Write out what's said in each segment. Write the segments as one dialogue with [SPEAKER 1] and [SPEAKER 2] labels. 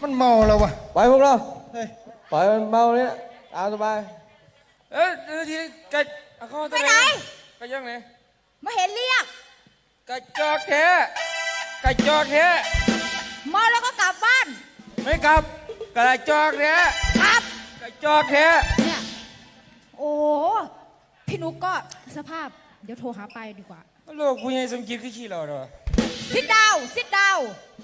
[SPEAKER 1] มันเมาแล้ววะ
[SPEAKER 2] ไปพวกเรา
[SPEAKER 1] เฮ้ย
[SPEAKER 2] ปล่อยมันเมาเนี่ยตามสบาย
[SPEAKER 3] ทีไก่เข้าไปไหนไก่ย่างไหน
[SPEAKER 4] มาเห็นเรียก
[SPEAKER 3] ไก่จอกแท้ไก่จอกแท้
[SPEAKER 4] เมาแล้วก็กลับบ้าน
[SPEAKER 3] ไม่กลับไก่จอกแท้
[SPEAKER 4] กลับ
[SPEAKER 3] ไก่จอกแท้
[SPEAKER 4] เนี่ยโอ้พี่นุ๊กก็สภาพเดี๋ยวโทรหาไปดีกว่า
[SPEAKER 3] ลูกผู้ใหญ่สมจิตคือขี้เราเด้อ
[SPEAKER 4] ซิดดาวซิดดาว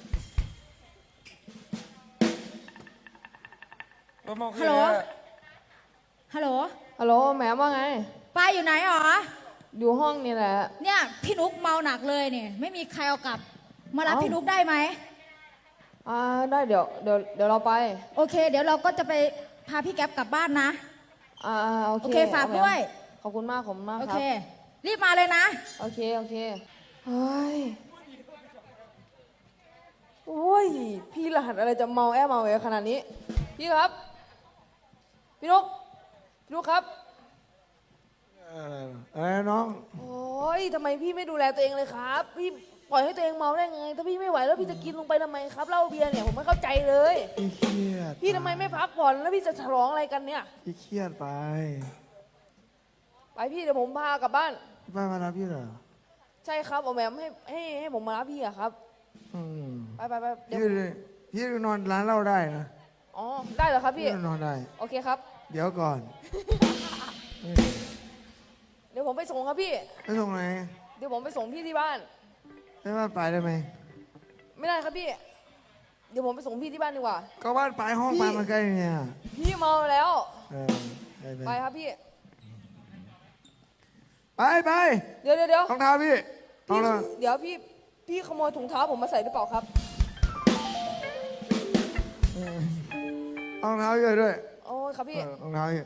[SPEAKER 4] ฮัลโหลฮัลโหล
[SPEAKER 5] ฮัลโหลแหมว่าไง
[SPEAKER 4] ป้าอยู่ไหนหรอ
[SPEAKER 5] อยู่ห้องนี่แหละ
[SPEAKER 4] เนี่ยพี่นุ๊กเมาหนักเลยเนี่ยไม่มีใครเอากลับมารับพี่นุ๊กได้ไหม
[SPEAKER 5] ได้เดี๋ยวเราไป
[SPEAKER 4] โอเคเดี๋ยวเราก็จะไปพาพี่แก๊ปกลับบ้านนะโอเคฝากด้วย
[SPEAKER 5] ขอบคุณมากครับ
[SPEAKER 4] โอเครีบมาเลยนะ
[SPEAKER 5] โอเคเฮ้ยโอ้ยพี่รหัสอะไรจะเมาแอบเมาขนาดนี้พี่ครับพี่นุ๊กครับ
[SPEAKER 1] อะไรน้อง
[SPEAKER 5] โอ้ยทำไมพี่ไม่ดูแลตัวเองเลยครับพี่ปล่อยให้ตัวเองเมาได้ไงถ้าพี่ไม่ไหวแล้วพี่จะกินลงไปทำไมครับเหล้าเบียร์เนี่ยผมไม่เข้าใจเลย
[SPEAKER 1] พี่เครียด
[SPEAKER 5] พี่ทำไมไม่พักผ่อนแล้วพี่จะฉลองอะไรกันเนี่ย
[SPEAKER 1] พี่เครียดไป
[SPEAKER 5] พี่เดี๋ยวผมพากลับบ้าน
[SPEAKER 1] ป้ามารับพี่เหรอ
[SPEAKER 5] ใช่ครับเอาแหมให้ผมมารับพี่อะครับไป
[SPEAKER 1] เดี๋ยวพี่นอนร้านเหล้าได้นะ
[SPEAKER 5] อ๋อได้เหรอครับพี่
[SPEAKER 1] นอนได้
[SPEAKER 5] โอเคครับ
[SPEAKER 1] เดี๋ยวก่อน
[SPEAKER 5] เดี๋ยวผมไปส่งครับพี่
[SPEAKER 1] ไปส่งไหน
[SPEAKER 5] เดี๋ยวผมไปส่งพี่ที่บ้าน
[SPEAKER 1] ไปบ้านปลายได้ไหม
[SPEAKER 5] ไม่ได้ครับพี่เดี๋ยวผมไปส่งพี่ที่บ้านดีกว่า
[SPEAKER 1] ก็บ้านปลายห้องปลายมันใกล้เนี่ย
[SPEAKER 5] พี่เมาแล้วไปครับพี่
[SPEAKER 1] ไป
[SPEAKER 5] เดี๋ยว
[SPEAKER 1] รองเท้าพี่
[SPEAKER 5] เดี๋ยวพี่ขโมยถุงเท้าผมมาใส่หรือเปล่าครับ
[SPEAKER 1] รองเท้าเยอะด้วย
[SPEAKER 5] โอ้ยครับพี่
[SPEAKER 1] รองเท้าเยอะ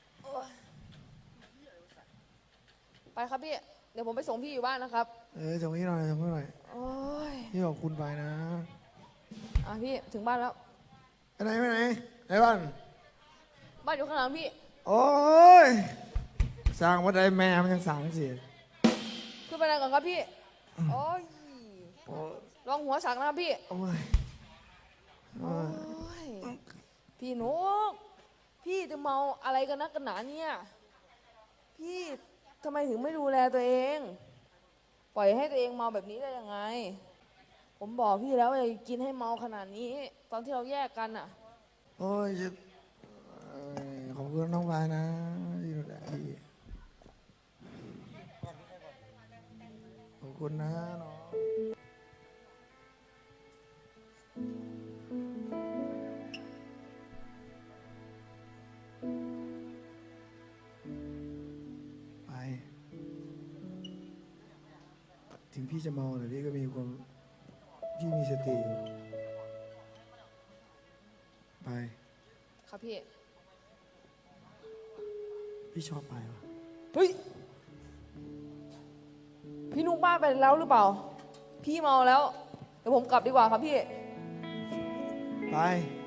[SPEAKER 5] ไปครับพี่เดี๋ยวผมไปส่งพี่อยู่บ้านนะครับ
[SPEAKER 1] ส่งพี่หน่อยโอ้ยพี่ขอบคุณไปนะ
[SPEAKER 5] พี่ถึงบ้านแล้ว
[SPEAKER 1] ไปไหนบ้าน
[SPEAKER 5] อยู่ข้างหลังพี่
[SPEAKER 1] โอ้ยสร้างวัดใดแม่มันยังสั่งสิ
[SPEAKER 5] ขึ้นไปไหนก่อนครับพี่โอ้ยลองหัวสักนะครับพี่
[SPEAKER 1] โอ้ย
[SPEAKER 5] พี่นุ๊กพี่จะเมาอะไรกันนักกันหนาเนี่ยพี่ทำไมถึงไม่ดูแลตัวเองปล่อยให้ตัวเองเมาแบบนี้ได้ยังไงผมบอกพี่แล้วว่ากินให้เมาขนาดนี้ตอนที่เราแยกกันอ่ะ
[SPEAKER 1] โอ้ยขอบคุณน้องวายนะที่ดูแลพี่ขอบคุณนะน้องไปถึงพี่จะเมาแต่พี่ก็มีความพี่มีสติอยู่ไป
[SPEAKER 5] ครับพี่
[SPEAKER 1] ชอบไปวะ
[SPEAKER 5] เฮ้ยพี่นุ๊กบ้านไปแล้วหรือเปล่าพี่เมาแล้วเดี๋ยวผมกลับดีกว่าครับพี่
[SPEAKER 1] ไป